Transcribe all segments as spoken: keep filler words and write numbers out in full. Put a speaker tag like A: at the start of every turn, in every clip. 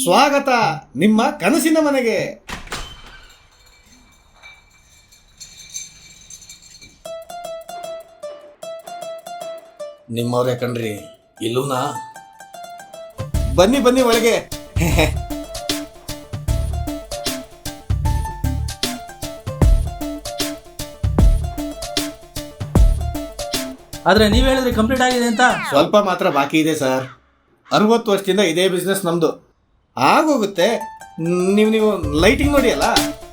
A: ಸ್ವಾಗತ ನಿಮ್ಮ ಕನಸಿನ ಮನೆಗೆ. ನಿಮ್ಮವ್ರೆ ಕಣ್ರಿ, ಇಲ್ಲೂನಾ? ಬನ್ನಿ ಬನ್ನಿ ಒಳಗೆ.
B: ಆದ್ರೆ ನೀವ್ ಹೇಳಿದ್ರೆ ಕಂಪ್ಲೀಟ್ ಆಗಿದೆ ಅಂತ.
A: ಸ್ವಲ್ಪ ಮಾತ್ರ ಬಾಕಿ ಇದೆ ಸರ್. ಅರವತ್ತು ವರ್ಷದಿಂದ ಇದೇ ಬಿಸ್ನೆಸ್ ನಮ್ದು. ಆಗೋಗುತ್ತೆ. ನೀವು ನೀವು ಲೈಟಿಂಗ್ ನೋಡಿ ಅಲ್ಲ.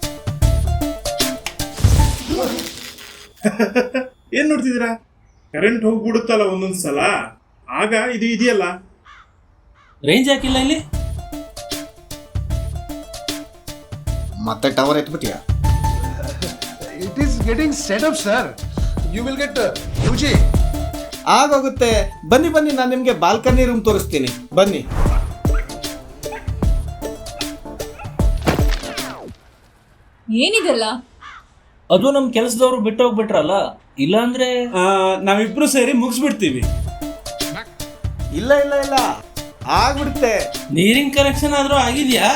C: ಏನ್ ನೋಡ್ತಿದ್ದೀರಾ? ಕರೆಂಟ್ ಹೋಗ್ಬಿಡುತ್ತಲ್ಲ ಒಂದೊಂದ್ ಸಲ, ಆಗ ಇದು ಇದೆಯಲ್ಲ.
B: ರೇಂಜ್ ಹಾಕಿಲ್ಲ ಇಲ್ಲಿ.
A: ಮತ್ತೆ ಟವರ್ ಎತ್ಬಿಟ್ಟಿಯಾ?
D: It is getting set up, sir. You will get uh, U G.
A: ಆಗೋಗುತ್ತೆ. ಬನ್ನಿ ಬನ್ನಿ, ನಾನು ನಿಮಗೆ ಬಾಲ್ಕನಿ ರೂಮ್ ತೋರಿಸ್ತೀನಿ. ಬನ್ನಿ.
E: ಏನಿದೆಲ್ಲ?
B: ಅದು ನಮ್ ಕೆಲಸದವರು ಬಿಟ್ಟು ಹೋಗ್ಬಿಟ್ರಲ್ಲ, ಇಲ್ಲಾಂದ್ರೆ
C: ನಾವಿಬ್ರು ಸೇರಿ ಮುಗಿಸ್ಬಿಡ್ತೀವಿ.
A: ಇಲ್ಲ ಇಲ್ಲ ಇಲ್ಲ, ಆಗ್ಬಿಡುತ್ತೆ.
B: ನೀರಿನ ಕನೆಕ್ಷನ್ ಆದ್ರೂ ಆಗಿದ್ಯಾ?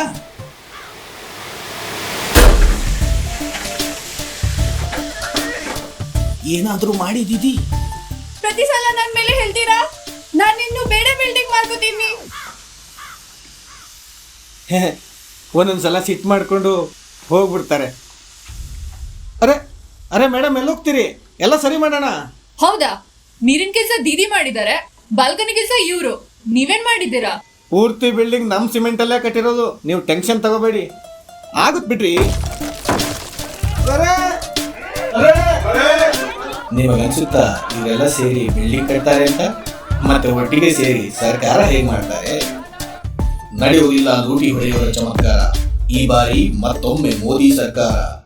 A: ಏನಾದ್ರೂ ಮಾಡಿದೀದಿ?
E: ಪ್ರತಿ ಸಲ ನನ್ ಮೇಲೆ ಹೇಳ್ತೀರಾ? ನಾನು ಇನ್ನು ಬೇರೆ ಬಿಲ್ಡಿಂಗ್ ಮಾಡ್ಕೋತೀನಿ.
A: ಒಂದೊಂದ್ಸಲ ಸಿಟ್ ಮಾಡ್ಕೊಂಡು ಹೋಗ್ಬಿಡ್ತಾರೆ. ಅರೆ ಅರೆ ಮೇಡಮ್, ಎಲ್ಲಿ ಹೋಗ್ತೀರಿ? ಎಲ್ಲ ಸರಿ ಮಾಡೋಣ.
E: ಹೌದಾ? ನೀರಿನ ಕೆಲಸ ದೀದಿ ಮಾಡಿದ್ದಾರೆ, ಬಾಲ್ಕನಿ ಕೆಲಸ ಇವ್ರು. ನೀವೇನ್ ಮಾಡಿದ್ದೀರಾ?
A: ಪೂರ್ತಿ ಬಿಲ್ಡಿಂಗ್ ನಮ್ ಸಿಮೆಂಟ್ ಅಲ್ಲೇ ಕಟ್ಟಿರೋದು. ನೀವು ಟೆನ್ಷನ್ ತಗೋಬೇಡಿ, ಆಗುತ್ತೆ ಬಿಡ್ರಿ. ನಿಮಗೆ ಅನ್ಸುತ್ತಾ ಇವರೆಲ್ಲ ಸೇರಿ ಬಿಲ್ಡಿಂಗ್ ಕಟ್ತಾರೆ ಅಂತ? ಮತ್ತೆ ಒಟ್ಟಿಗೆ ಸೇರಿ ಸರ್ಕಾರ ಹೇಗ್ ಮಾಡ್ತಾರೆ? ನಡೆಯುವುದಿಲ್ಲ ಲೂಟಿ ಹೊಡೆಯುವ ಚಮತ್ಕಾರ. ಈ ಬಾರಿ ಮತ್ತೊಮ್ಮೆ ಮೋದಿ ಸರ್ಕಾರ.